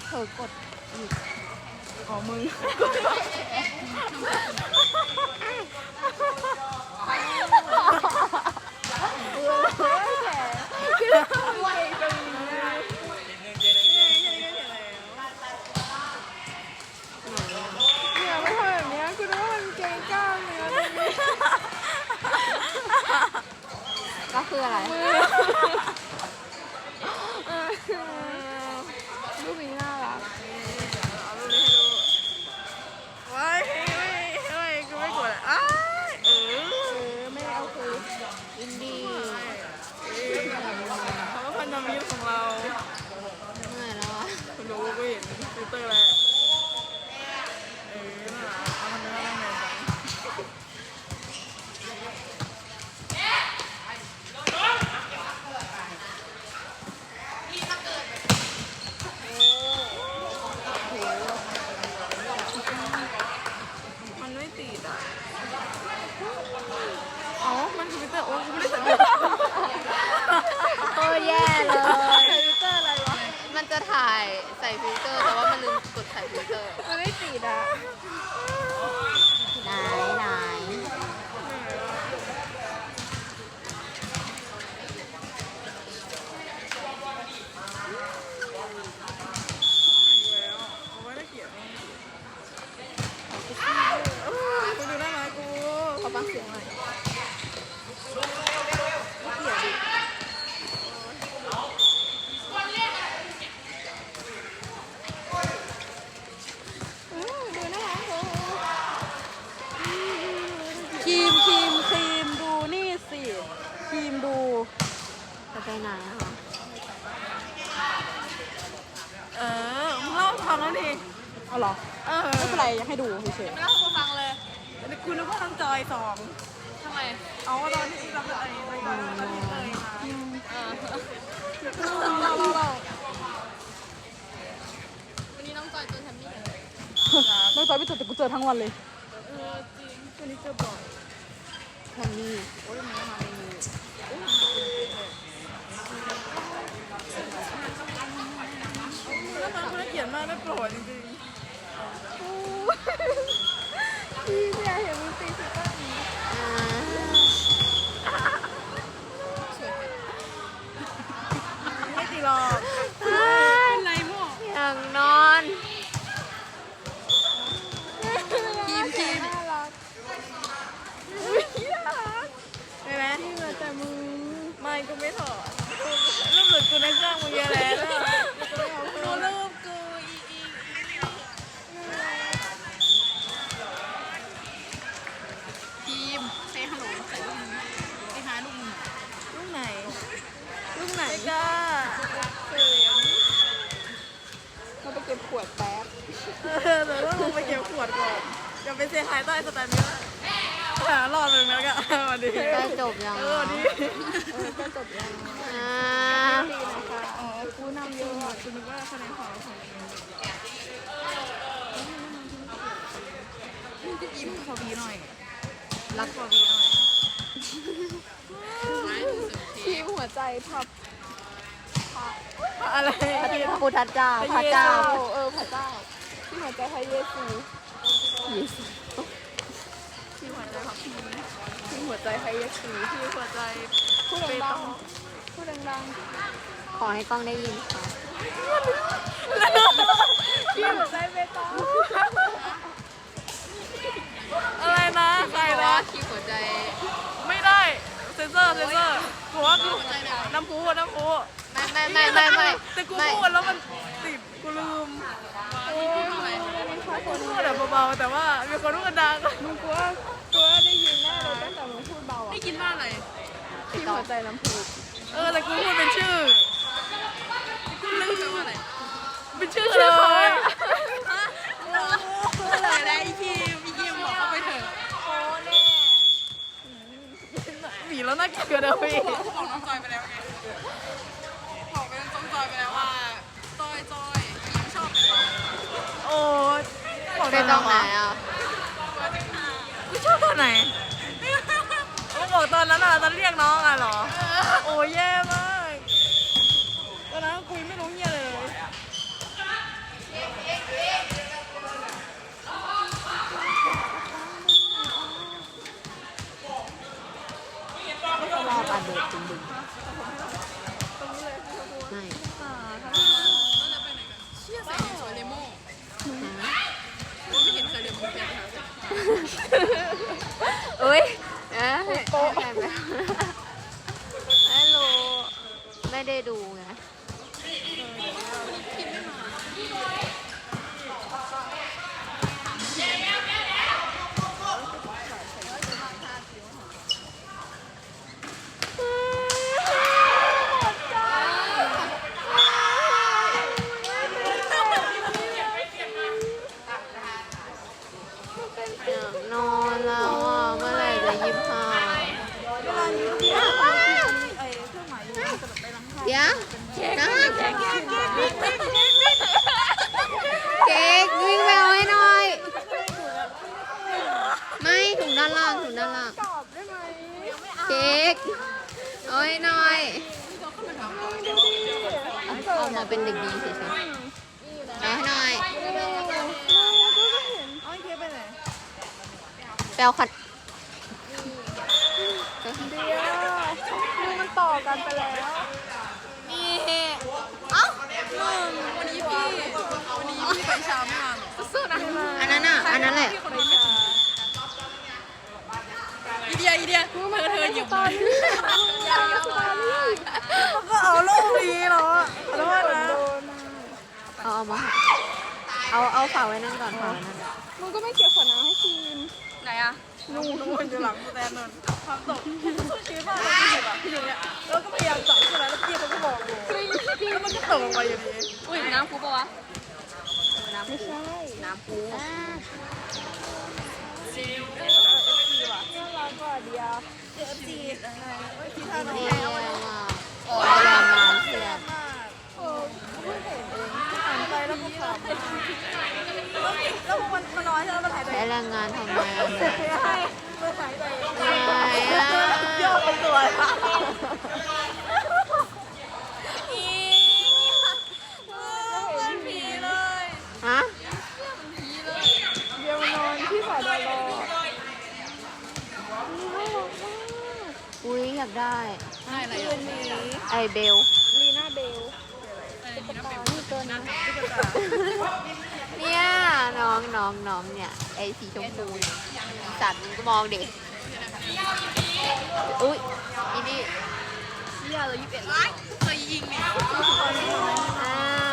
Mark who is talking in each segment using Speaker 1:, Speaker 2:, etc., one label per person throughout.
Speaker 1: เธอกดอีก
Speaker 2: อ๋อมึง
Speaker 1: ก็คืออะไรรูปนี้น่ารัก
Speaker 2: เอารูปนี้ให้ดูว้ายไม่กูไม่กดอ้า
Speaker 1: ไม่เอาคืออินดี้
Speaker 2: เขาก็พันธมิตรของเรา
Speaker 1: เหนื่อยแล้วอ่ะ
Speaker 2: คุณรู้ก็เห็นฟิลเตอร์แล้วน่ารักเอามันน่ารักแมนจังมันไม่ติดอ่ะอ๋อมันฟิลเตอร์โอ้กูไม่ได้ใส่
Speaker 1: โอ้แย่เลย
Speaker 2: ฟิลเตอร์อะไรวะ
Speaker 1: มันจะถ่ายใส่ฟิลเตอร์แต่ว่ามันลืมกดใส่ฟิลเตอร์
Speaker 2: มันไม่ติดอ่ะ
Speaker 1: ไหน
Speaker 2: กูดูได้ไหมกู
Speaker 1: ขอฟังเสียงหน่อย
Speaker 2: ครีมดูนี่สิครีมดู
Speaker 1: จะไปไหนอ่ะ
Speaker 2: มึงเล่าฟังแล้วดิ
Speaker 1: เอาหรอไม่เป็นไรอยากให้ดูเฉย
Speaker 2: ๆไม่เล่าให้กูฟังเลยคุณนึกว่าน้องจอย2
Speaker 1: ทำไม
Speaker 2: เอาตอนที่เราไปตอนที่เลยมาเล่า
Speaker 1: วันนี้น้องจอยเจอแทมมี่
Speaker 2: น้องจอยไม่เจอแต่กูเจอทั้งวันเลยจริงวันนี้เจอบ่อย
Speaker 1: แทมมี่
Speaker 2: โอ้ยมันมาในมือแล้วน้องคนเขียนมากน่าโกรธจริงๆพี่อยากเห็นมึงตีสิบ้างไม่ตีหรอกเป็นไรมั่ว
Speaker 1: อย่างนอน
Speaker 2: ครีมน่ารักใช่ไหมที่มาแต่มึงไม่กูไม่ถอดรูปหลุดกูในเครื่องมึงเยอะแล้วดูรูปกู
Speaker 1: ทีมเซฮัลโหลใส่ลูกมือไปหาลูกมือ
Speaker 2: รูปไหนไม่กล้า
Speaker 1: เราไปเก็บขวดแป๊บ
Speaker 2: เดี๋ยวต้องลงไปเก็บขวดก่อนจะไปเซฮายใต้สแตนนี้แล้วรอดเลยนะก็วันนี้
Speaker 1: ใกล้จบยัง
Speaker 2: วันนี้
Speaker 1: ใกล้จบยัง
Speaker 2: ดีนะคะอ๋อกูนำเยอะกูนึกว่าคะแนนของยิ้มขอวีหน่อยรักขอวีหน่อย
Speaker 1: ทีมหัวใจพับ
Speaker 2: อะไร
Speaker 1: พระพุทธเจ้าพระเจ้าพระเจ้าที่หัวใจพระเยซู
Speaker 2: ที่หัวใจพับพีที่หัวใจพระเยซูที่หัวใจ
Speaker 1: พูดดังขอให้กล้องได้ยินค่ะ
Speaker 2: ที่หัวใจเบตองอะไรนะใครนะ
Speaker 1: ที่หัวใจ
Speaker 2: ไม่ได้เซนเซอร์กูว่ากูน้ำพุ
Speaker 1: ไม่
Speaker 2: แต่กูพูดแล้วมันติดกูลืมพูดแบบเบาๆแต่ว่ามีคนพูดดังมึงกูว่าได้ยินแน่เลยตั้งแต่มึงพูดเบาได้ยินว่าอะไรที่หัวใจน้ำพุแต่กูพูดเป็นชื่อกูลืมว่าอะไรเป็นชื่อเลยอะไรอีคิมบอกเขาไปเถอะโอ้แน่หนีแล้วน่าเกลียดเลยพี่บอกน้องจอยไปแล้วไงบอกไปน้องจอยไปแล้วว่าจอยชอบเป็นโอ้
Speaker 1: เป็นตรงไหนอ่ะ
Speaker 2: กูชอบตอนไหนมึงบอกตอนนั้นอ่ะตอนเรียกน้องอ่ะเหรอโอ้แย่มากตอนนั้นคุยไม่รู้เหี้ยเลย
Speaker 1: ให้หน่อยเอามาเป็นเด็กดีเฉยๆเอาให้หน่อย
Speaker 2: เอาไอ้เคไปไหน
Speaker 1: แปลคัน
Speaker 2: เดี๋ยวนี่มันต่อกันไปแล้ว
Speaker 1: นี่เอ้า
Speaker 2: วันนี้พี่ไปเช้าไม่มาสู้ๆนะ
Speaker 1: อันนั้นอ่ะ อันนั้นแหละ
Speaker 2: อีเดียเธอหยิบมาก็เอาลูกนี้เหรอขอโทษนะ
Speaker 1: เอามาเอาฝากไว้นั่นก่อนฝากไว้นั่น
Speaker 2: มึงก็ไม่เก็บขวดน้ำให้ทีมไหนอะนู่นอยู่หลังสแตนนนความตกสู้ชีวิตมากเลยพี่แบบพี่อยู่เนี้ยแล้วก็พยายามจับใช่ไหมแล้วพี่เขาก็บอกกูแล้วมันก็ตกลงไปอยู่ดีอุ้ยน้ำพุปะวะน้ำไม่ใช่น้ำพุน่ารักกว่าเดียวจีที่ทาน
Speaker 1: นี่
Speaker 2: แล้
Speaker 1: เอา
Speaker 2: ว
Speaker 1: ไว้มาโอ้ยแรงงานเพื่อน
Speaker 2: เออเพิ่งเห็นเองหันไปแล้วก็ขำแล้วมันน้อยใช่ไหมมันหายใจ
Speaker 1: ใช้แรงงานทำไมอ่ะ
Speaker 2: ใช่มันหายใจ
Speaker 1: ไม่อ่ะ
Speaker 2: ยอดเป็นตัวเป็นผีเลย
Speaker 1: ฮะ
Speaker 2: เดี๋ยวนอนที่สายดอรอ
Speaker 1: อุ้ยอยากได้
Speaker 2: อะไรอ่ะ
Speaker 1: ไอเบล
Speaker 2: ลีน่าเบลนี่ตัวนั้น
Speaker 1: เนี่ยน้องเนี่ยไอสีชมพูเนี่ยสัตว์มึงก็มองเด็กอุ้ยอีนี่
Speaker 2: ยาเลย21ล้านเคยยิงเนี่ย
Speaker 1: อ่า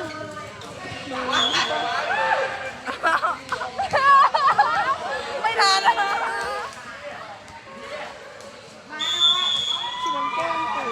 Speaker 2: ไม่ทันแล้วที่มันแก้มกู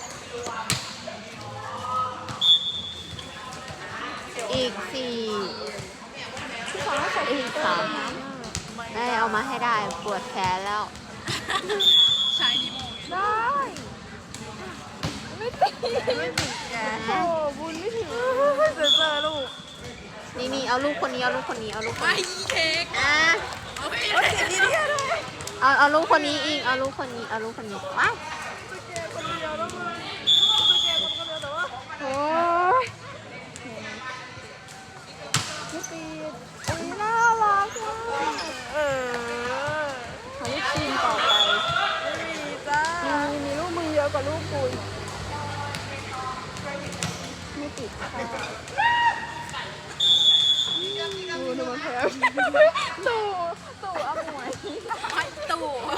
Speaker 1: อีกสี่อีกสามได้เอามาให้ได้ปวดแขนแล้ว
Speaker 2: ใช้นิโมได้ไม่ติดแกโอ้บุญไม่ถึงเจอลูก
Speaker 1: นี่เอาลูกคนนี้เอาลูกคนนี้เอาลูกคน
Speaker 2: ไอ้
Speaker 1: นี้
Speaker 2: เค้ก
Speaker 1: อ่ะ
Speaker 2: เอาไปเลยดีเดียวด้วย
Speaker 1: เอาลูกคนนี้อีกเอาลูกคนนี้เอาลูกคนนี้ว้าย
Speaker 2: สเกลคนเดียวแล้วมึงสเกลคนเดียวแต่ว่าโอ้ยไม่ติดอันนี้น่ารักมากหาลูกทีมต่อไปไม่มีจ้ามีลูกมึงเยอะกว่าลูกกูไม่ติดค่ะดูมันแพ้ตู่อมวยตู่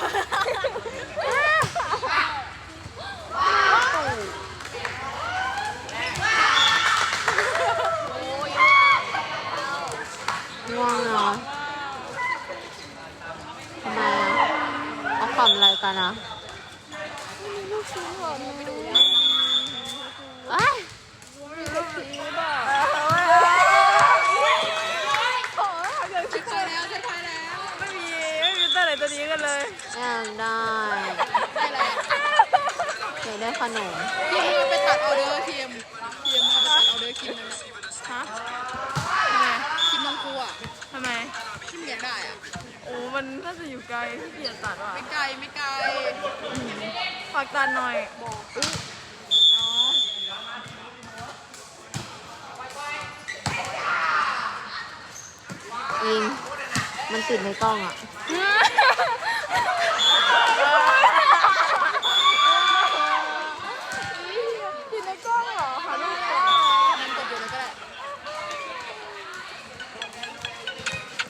Speaker 1: ง่วงเหรอทำไมอ่ะเขาขำอะไรกันอ่ะ
Speaker 2: ลูกชิ้นหรอไม่ดู
Speaker 1: ว้าย
Speaker 2: มีลูกชิ้นอ่ะขอเกิดคิดไปแล้วไม่มีตัวไหนตัวนี้กันเลย
Speaker 1: อยากได้อยากได้ขนม
Speaker 3: ทีมไปตัดออเดอร์ทีมมาไปตัดออเดอร์คิมนั่นน่ะ
Speaker 2: ฮะ
Speaker 3: คิมน้องครูอ่ะ
Speaker 2: ทำไม
Speaker 3: คิมอยากได้อ่ะ
Speaker 2: โอ้มันน่าจะอยู่ไกลที่เกียจตัดว่ะ
Speaker 3: ไม่ไกลไม่ไกล
Speaker 2: ฝากตัดหน่อย
Speaker 1: อิงมันติดในกล้องอ่ะ